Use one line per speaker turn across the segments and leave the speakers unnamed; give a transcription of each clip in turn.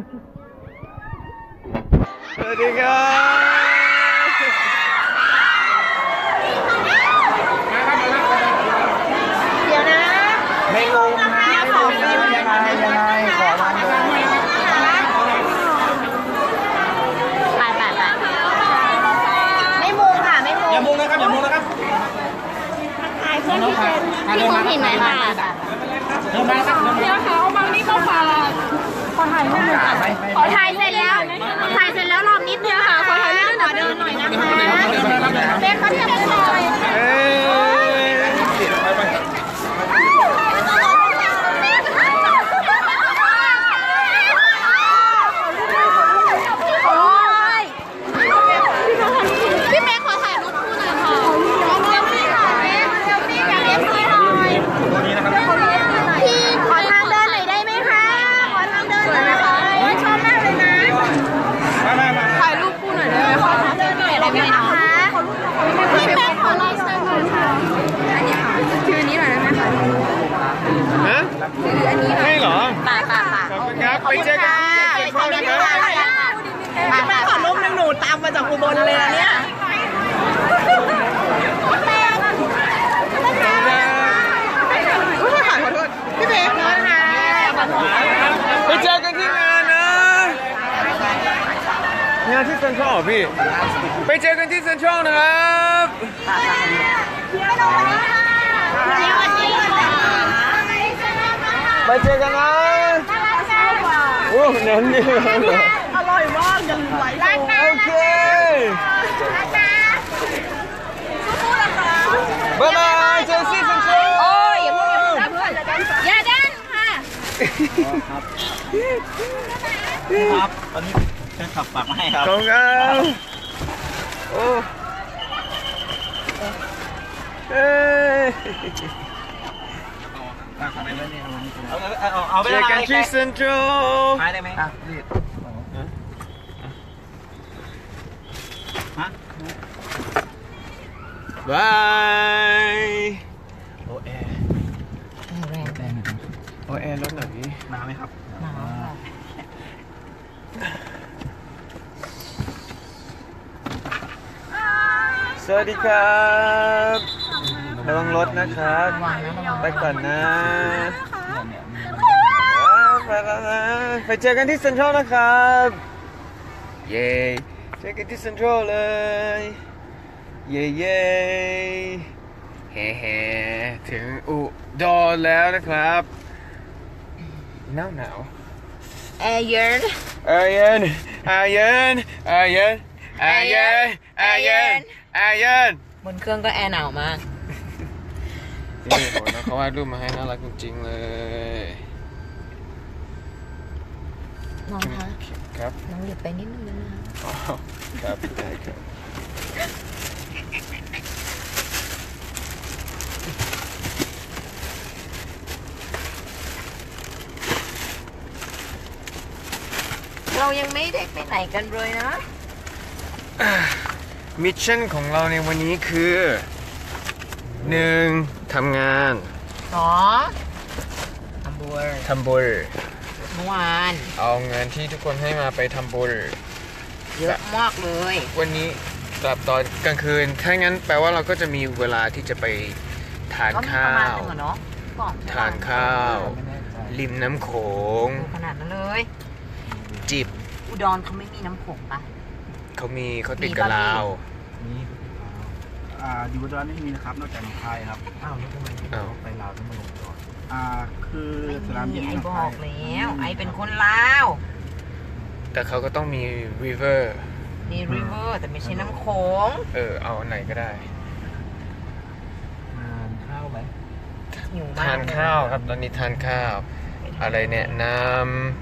สวัสดีครับ
เดี๋ยวนะ
ไม่งงนะยังไงขอมาเลย
ไปไม่มุงค่ะไม่มุง
อย่ามุงนะครับอย่ามุงนะครับ
ถ่ายเพื่อนที่เป็นพี่คงเห็นไหมค่ะ
เดินมาครับ
เดี๋ยวเขาบางนี่ก็พาขอถ่ายรูปขอถ่ายเสร็จแล้วรอบนิดเดียวค่ะขอถ่ายรูปหน่อยเดินหน่อยนะคะเด็กเขาเทียบกันหน่อยพี่เมย์ขอถ่ายรูปคู่หน่อยค่ะพี่ขอทางเดินหน่อยได้ไหมคะขอทางเดินหน่อยนะคะชอบมากเลยนะถ่ายรูปคู่หน่อยได้ไหมคะเดินหน่อยได้ไหมคะพี่แม่ขอลายเซ็นหน่อยค่ะอันนี้ค่ะชื่ออันนี้หน่อยได้ไหมคะ
ฮะ
อันนี้
ให้เหรอ
ป่า
ขอบคุณครับไปเจอกันที่เซ็นทรัลนะครับ
แม่ขอรูปนึงหนูตามมาจากอุบลเลยเนี่ยพี่เบสนะคะ
ไปเจอกันที่งานนะงานที่เซ็นทรัลพี่ไปเจอกันที่เซ็นทรัลนะครับไปเจอกันนะโอ้เน้นนี่เลย
อร่อยมากยังไหว
โอเคบ๊ายบายเจอกันที่เซ็นทรัล
โอ้ยอย่าพูดอย่าดันค่ะ
ครับตอนนี้จะขับฝากมาให้ครับ
ขอบคุณครับโอ้เอ้ย
เอาไป
เจอกันที่เซ็นทรัล
หายได้ไหมรีบฮะ
บายโอแอร์โอแอร์รถหน่อยพี่
มาไหมครับมา
สวัสดีครับระวังรถนะครับไปก่อนนะไปแล้วนะไปเจอกันที่เซ็นทรัลนะครับเย้เจอกันที่เซ็นทรัลเลยเย้เย้เฮ้เฮ้ถึงอุดรแล้วนะครับหนาว
แอร์เย็น
แอร์เย็นแอร์เย็นแอร์เย็นแอร์เย็นแอร์เย็นแอร์เย็น
บนเครื่องก็แอร์หนาวมาก
นี่โหนะเขาวาดรูปมาให้น่ารักจริงๆเลย
น้องคะ
ครับ
น้องหยุดไปนิดนึง
นะครับได้ครับ
เรายังไม่ได้ไปไหนกันเลยนะ
มิชชั่นของเราในวันนี้คือ1ทำงาน
2ทำบุญเมื่อวาน
เอาเงินที่ทุกคนให้มาไปทำบุญ
เยอะมากเลย
วันนี้กลับตอนกลางคืนถ้างั้นแปลว่าเราก็จะมีเวลาที่จะไปทานข้าวทานข้าวริมน้ำโขง
ขนาดนั้นเลย
จิบ
อุดรเขาไม่มีน้ำโขงปะ
เขาติดกับลาว
อยู่อุดรไม่มีนะครับนอกจากหนองคายครับ
แล้วทำไม
ไปลาวต้องมาลงอุดรคือสนามบิน
ไอ้บอกแล้วไอ้เป็นคนลาว
แต่เขาก็ต้องมีริเวอร์
แต่ไม่ใช่น้ำโขง
เอาไหนก็ได้
ทานข้าวไหม
ทานข้าวครับตอนนี้ทานข้าวอะไรเนี่ยน้ำ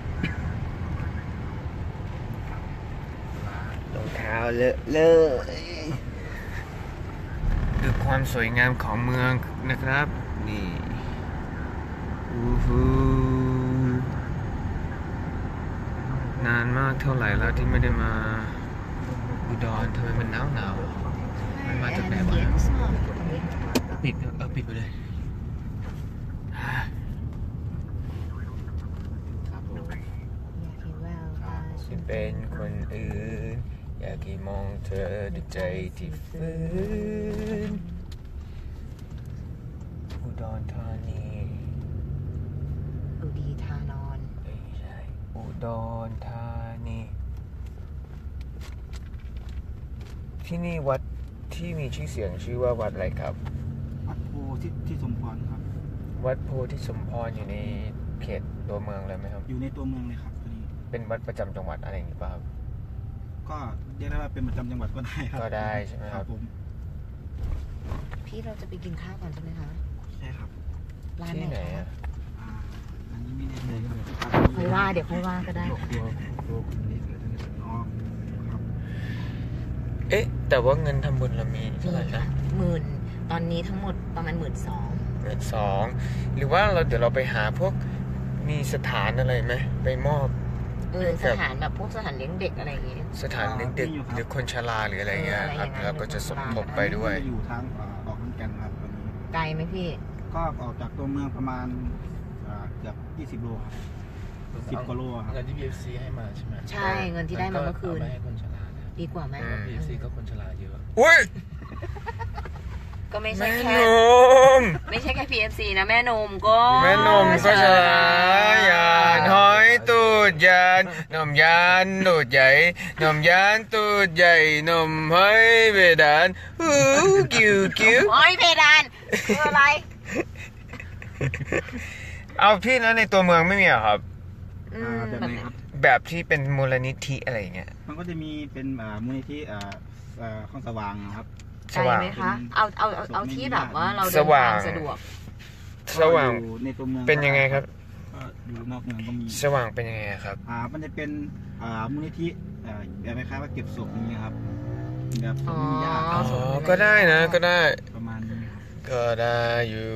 รองเท้าเลอะเลยดูความสวยงามของเมืองนะครับนี่นานมากเท่าไหร่แล้วที่ไม่ได้มาอุดรทำไมมันหนาวมันมาจากไหนวะปิดปิดไปเลยฉันเป็นคนอื่นอยากให้มองเธอด้วยใจที่ฟื้นอุดรธานี
อุดีธานอน
ไม่ใช่อุดรธานีที่นี่วัดที่มีชื่อเสียงชื่อว่าวัดอะไรครับ
วัดโพที่สมพรครับ
วัดโพธิสมพรอยู่ในเขตตัวเมืองเลยไหมครับ
อยู่ในตัวเมืองเลยครับตัวนี้
เป็นวัดประจำจังหวัดอะไรอย่างนี้ป่ะครับ
ก็เรียกได้ว่าเป็นประจำจังหวัดก็ได้ครับ
ก็ได้ใช่ไหมครับ
ผม
พี่เราจะไปกินข้าวก่อนใช่ไหมคะ
ใช่ครับ
ร้านไหนคะ
อันนี้ไม่แน่ใจครับ
ค่อยว่าเดี๋ยวค่อยว่าก็ได้
เอ๊ะแต่ว่าเงินทำบุญเรามีเท่าไหร่นะ
10,000ตอนนี้ทั้งหมดประมาณ
12,000หรือว่าเดี๋ยวเราไปหาพวกมีสถานอะไรไหมไปมอบ
สถานแบบพวกสถานเลี้ยงเด็กอะไรอย่างเงี้ย
สถานเลี้ยงเด็กหรือคนชราหรืออะไรเงี้ยครับเราก็จะสมทบไปด้วย
อยู่ทางออกขอนแก่นครับตอนนี้
ไกลไหมพี่
ก็ออกจากตัวเมืองประมาณเกือบ20 โลครับ10 กว่าโลครับ
เงินที่ BFC ให้มาใช่ไหม
ใช่เงินที่ได้มาเมื่อคืน
ให้คนชรา
ดีกว่าไหม
BFC ก็คนชราเยอะ
อุ้ย
ก็ไม่ใช่แค่ไม่ใช่แค่ PFC นะแม่นมก็
แม่นมก็ชรายานหอยตูดยานนมยานตูดใหญ่นมยานตูดใหญ่นมหอยเพดานกิ้ว
หอยเพดานคืออะไร
เอาพี่แล้วในตัวเมืองไม่มีเหรอครับ
แบบไหนครับ
แบบที่เป็นมูลนิธิอะไรเงี้ย
มันก็จะมีเป็นมูลนิธิข้องสว่างครับ
ใช่ไหมคะเอาที่แบบว่าเราเดินทางสะดวก
สว่าง
ในตัวเมือง
เป็นยังไงครับ
อยู่นอกเมืองก็มี
สว่างเป็นยังไงครับ
มันจะเป็นมูลนิธิแบบคล้ายๆว่าเก็บศพอย่างเงี้ยครับแบบ
มีญาติก็ได้นะก็ได้
ประมาณนี้
ก็ได้อยู่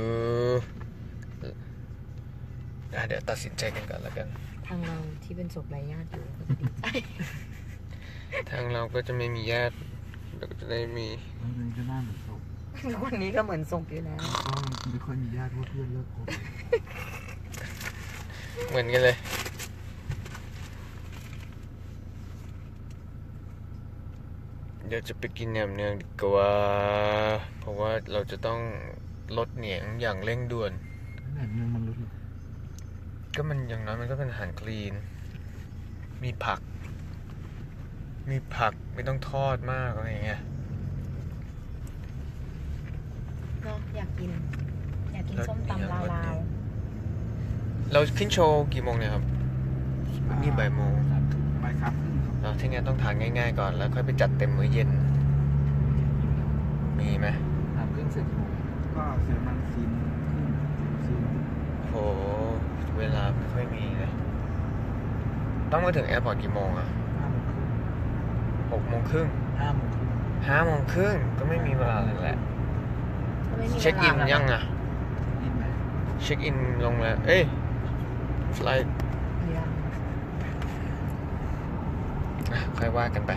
เดี๋ยวตัดสินใจกันก่อนแล้วกัน
ทางเราที่เป็นศพไร้ญาติอยู่ก็จะดีใจ
ทางเราก็จะไม่มีญาติเราก็จะได้มี
มันก็น่าเหมือนศพ
วันนี้ก็เหมือนศพอยู่แล้ว
ไม่ค่อยมีญาติเพราะเพื่อนเลิกคบ
เหมือนกันเลยเดี๋ยวจะไปกินแหนมเนืองดีกว่าเพราะว่าเราจะต้องลดเหนียงอย่างเร่งด่วน
แหนมเนืองมันลด
ก็มันอย่างน้อยมันก็เป็นอาหารคลีนมีผักไม่ต้องทอดมากอะไรเงี้ย
เนาะอยากกินส้มตำลาว
เราขึ้นโชว์กี่โมงเนี่ยครับนี่บ่ายโมง
บ่ายครับ
เราที่งั้นต้องทานง่ายๆก่อนแล้วค่อยไปจัดเต็มมื้อเย็นมีไหม
3:30เสร็จกี่โมงก็เสร็จมัน4:30
โหเวลาไม่ค่อยมีเลยต้องมาถึงแอร์พอร์ตกี่โมงอ่ะ6:30 5:30ก็ไม่มีเวลาเลยแหละเช็คอินยังอ่ะเช็คอินลงแล้วฟลายค่อยว่ากันไป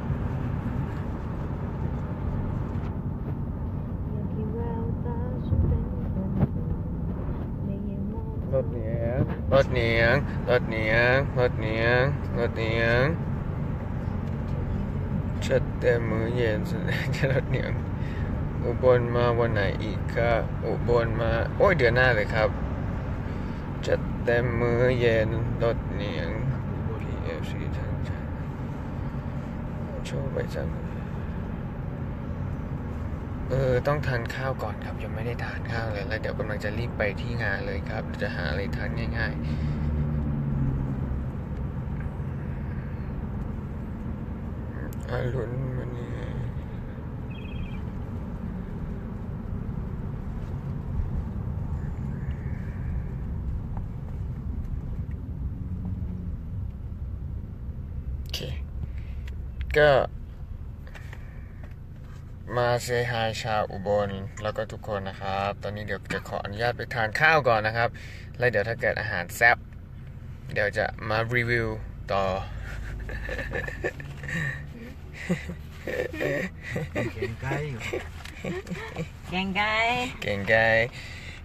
รถเหนียงชัดแต่มื้อเย็นแสดงจะรถเหนียงอุบลมาวันไหนอีกครับอุบลมาเดือนหน้าเลยครับจัดเต็มมื้อเย็นรถเหนียง PFC ทั้งชาโชว์ใบสั่งต้องทานข้าวก่อนครับยังไม่ได้ทานข้าวเลยแล้วเดี๋ยวกำลังจะรีบไปที่งานเลยครับจะหาอะไรทานง่ายๆอรุณวันนี้โอเคก็มาเซฮายชาวอุบลแล้วก็ทุกคนนะครับตอนนี้เดี๋ยวจะขออนุญาตไปทานข้าวก่อนนะครับแล้วเดี๋ยวถ้าเกิดอาหารแซ่บเดี๋ยวจะมารีวิวต่อ
แกงไ
ก่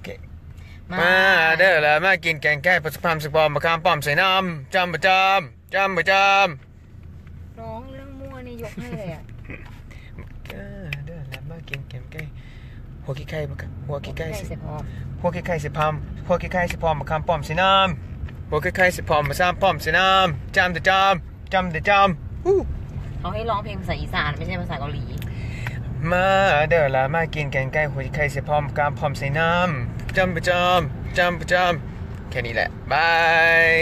มาเด้อแล้วมากินแกงไก่ผสมผสมบอมมะขามป้อมใส่น้ำจำประจำจำประจ
ร้องเรื่องมั่วนี่ยกให้เลยอ่ะ
ำเดินแล้วมากินแกงไก่หัวขี้ไก่หัวขี้ไก่สิ
เสร็จพร้อม
หัวขี้ไก่สิพามหัวขี้ไก่สิพร้อมมาคำป้อมสิน้ำหัวขี้ไก่สิพร้อมมาซ้ำป้อมสิน้ำจำแต่จำจำแต่จำ
เขาให้ร้องเพลงภาษาอีสานไม่ใช่ภาษาเกาหลี
มาเด้อละมากินแกงไก่หัวไข่ใส่พร้อมกามพร้อมใส่น้ำจำประจำแค่นี้แหละบาย